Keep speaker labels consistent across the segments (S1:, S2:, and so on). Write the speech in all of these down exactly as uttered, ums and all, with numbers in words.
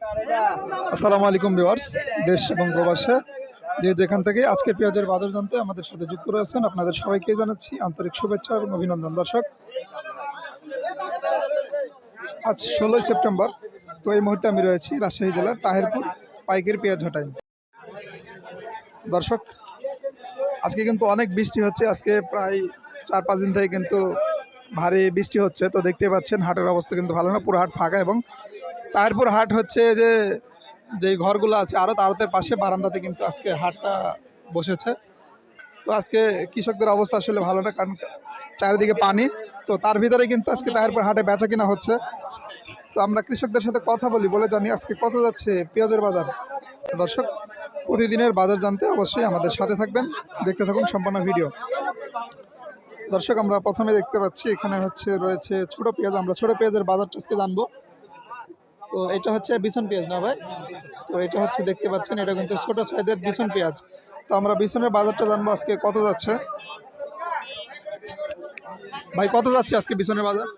S1: আসসালামু আলাইকুম ভিউয়ার্স, দেশ এবং প্রবাসে যে যেখান থেকে আজকে পেঁয়াজের বাজার জানতে আমাদের সাথে যুক্ত রয়েছেন আপনাদের সবাইকে জানাচ্ছি আন্তরিক শুভেচ্ছা এবং অভিনন্দন। দর্শক, আজ ষোলোই সেপ্টেম্বর, তো এই মুহূর্তে আমি রয়েছি রাজশাহী জেলার তাহেরপুর পাইকারি পেঁয়াজ হাটায়। দর্শক, আজকে কিন্তু অনেক বৃষ্টি হচ্ছে। আজকে প্রায় চার পাঁচ দিন থেকে কিন্তু ভারী বৃষ্টি হচ্ছে। তো দেখতে পাচ্ছেন হাটের অবস্থা কিন্তু ভালো না, পুরো হাট ফাঁকা। এবং তাহেরপুর হাট হচ্ছে যে যেই ঘরগুলো আছে আরও আড়তের পাশে বারান্দাতে কিন্তু আজকে হাটটা বসেছে। তো আজকে কৃষকদের অবস্থা আসলে ভালো না, কারণ চারিদিকে পানি। তো তার ভিতরে কিন্তু আজকে তাহেরপুর হাটে বেচা কিনা হচ্ছে। তো আমরা কৃষকদের সাথে কথা বলি, বলে জানি আজকে কত যাচ্ছে পেঁয়াজের বাজার। দর্শক, প্রতিদিনের বাজার জানতে অবশ্যই আমাদের সাথে থাকবেন, দেখতে থাকুন সম্পূর্ণ ভিডিও। দর্শক, আমরা প্রথমে দেখতে পাচ্ছি এখানে হচ্ছে রয়েছে ছোট পেঁয়াজ। আমরা ছোট পেঁয়াজের বাজারটা আজকে জানবো। তো এটা হচ্ছে বিছন পেঁয়াজ না ভাই? তো এটা হচ্ছে দেখতে পাচ্ছেন, এটা কিন্তু ছোট সাইজের বিছন পেঁয়াজ। তো আমরা বিছনের বাজারটা জানবো আজকে কত যাচ্ছে। ভাই কত যাচ্ছে আজকে বিছনের বাজার?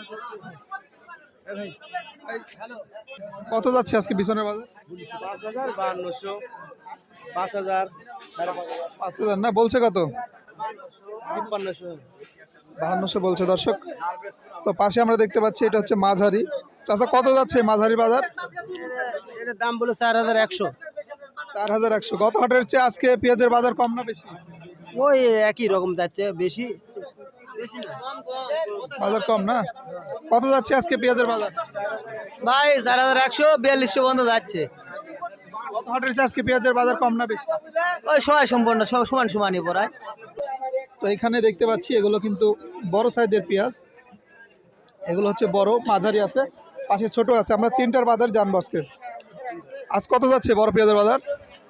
S1: কত যাচ্ছে আজকে বিছনের বাজার?
S2: পাঁচ হাজার বাহান্নশো পাঁচ হাজার
S1: পাঁচ হাজার না, বলছে কত?
S2: তিপ্পান্নশো
S1: বাহান্নশো বলছে। দর্শক, তো পাশে আমরা দেখতে পাচ্ছি এটা হচ্ছে মাঝারি। চাচা কত যাচ্ছে মাঝারি বাজার?
S2: এটার দাম বলে চার হাজার একশো
S1: চার হাজার একশো। গত হাটের চেয়ে আজকে পেঁয়াজের বাজার কম না বেশি?
S2: ওই একই রকম যাচ্ছে, বেশি বেশি না
S1: বাজার কম না? কত যাচ্ছে আজকে পেঁয়াজের বাজার?
S2: ভাই চার হাজার একশো বিয়াল্লিশশো পর্যন্ত যাচ্ছে।
S1: গত হাটের চেয়ে আজকে পেঁয়াজের বাজার কম না বেশি?
S2: ওই সবাই সম্পূর্ণ সব সমান সমানই পড়ায়।
S1: তো এখানে দেখতে পাচ্ছি এগুলো কিন্তু বড় সাইজের পেঁয়াজ। এগুলো হচ্ছে বড়, মাঝারি আছে, পাশে ছোট আছে। আমরা তিনটার বাজার জানবো আজকে। আজ কত যাচ্ছে বড় পেঁয়াজের বাজার?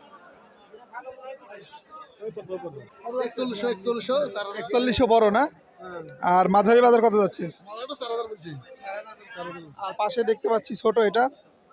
S1: একচল্লিশশো বড় না? আর মাঝারি বাজার কত যাচ্ছে? আর পাশে দেখতে পাচ্ছি ছোট, এটা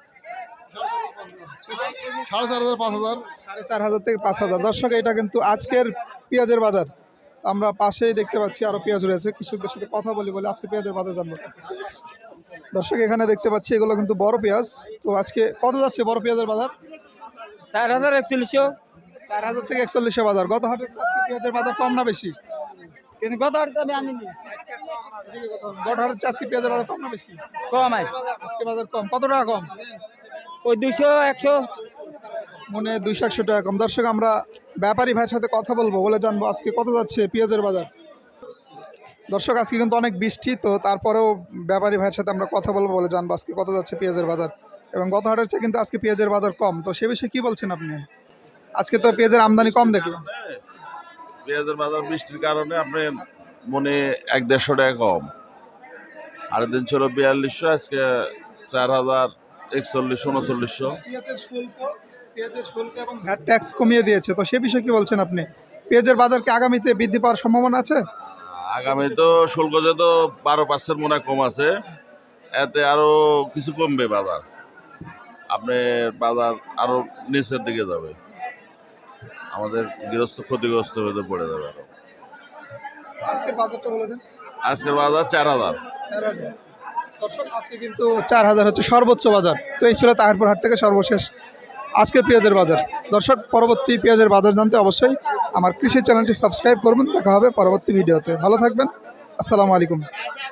S1: সাড়ে চার হাজার পাঁচ হাজার সাড়ে চার হাজার থেকে পাঁচ হাজার। দর্শক, এটা কিন্তু আজকের পেঁয়াজের বাজার। আমরা পাশেই দেখতে পাচ্ছি আরো পেঁয়াজ রয়েছে। কৃষকদের সাথে কথা বলি, বলে আজকে পেঁয়াজের বাজার জানবো। দর্শক, এখানে দেখতে পাচ্ছি এগুলো কিন্তু বড় পেঁয়াজ। তো আজকে কত যাচ্ছে বড় পেঁয়াজের বাজার?
S2: চার হাজার একচল্লিশশো
S1: চার হাজার থেকে একচল্লিশশো বাজার। গত হাটের আজকে পেঁয়াজের বাজার কম না বেশি?
S2: কিন্তু গত হাটে আমি আনিনি।
S1: গত হাটের আজকে পেঁয়াজের বাজার কম না বেশি?
S2: কম আছে,
S1: আজকে বাজার কম। কত টাকা কম?
S2: ওই দুশো একশো
S1: মনে দুইশো একশো টাকা কম। দর্শক, আমরা ব্যাপারী ভাইয়ের সাথে কথা বলবো, বলে জানবো আজকে কত যাচ্ছে পেঁয়াজের বাজার। দর্শক, আজকে কিন্তু অনেক বৃষ্টি, তো তারপরেও ব্যাপারী ভাইয়ের সাথে আমরা কথা বলবো, বলে জানবো আজকে কত যাচ্ছে পেঁয়াজের বাজার। এবং গত হাটের চেয়ে কিন্তু আজকে পেঁয়াজের বাজার কম। তো সে বিষয়ে কি বলছেন আপনি? আজকে তো পেঁয়াজের আমদানি কম দেখলাম।
S3: পেঁয়াজের বাজার বৃষ্টির কারণে আপনি মনে এক দেড়শো টাকা কম। আরেক দিন ছিল বিয়াল্লিশশো, আজকে চার হাজার একচল্লিশশো উনচল্লিশশো।
S1: পেঁয়াজের শুল্ক পেঁয়াজের শুল্ক এবং ভ্যাট ট্যাক্স কমিয়ে দিয়েছে। তো সে বিষয়ে কি বলছেন আপনি? পেঁয়াজের বাজার কি আগামীতে বৃদ্ধি পাওয়ার সম্ভাবনা আছে?
S3: আগামী তো শুল্ক যত বারো পার্সেন্ট মনে কম আছে, এতে আরো কিছু কমবে বাজার। আপনি বাজার আরো নিচের দিকে যাবে, আমাদের গৃহস্থ ক্ষতিগ্রস্ত হতে পড়ে যাবে আরো।
S1: আজকের বাজারটা বলে দেন।
S3: আজকের বাজার চার হাজার।
S1: দর্শক, আজকে কিন্তু চার হাজার হচ্ছে সর্বোচ্চ বাজার। তো এই ছিল তাহেরপুর হাট থেকে সর্বশেষ আজকের পেঁয়াজের বাজার। দর্শক, পরবর্তী পেঁয়াজের বাজার জানতে অবশ্যই আমার কৃষি চ্যানেলটি সাবস্ক্রাইব করবেন। দেখা হবে পরবর্তী ভিডিওতে। ভালো থাকবেন। আসসালামু আলাইকুম।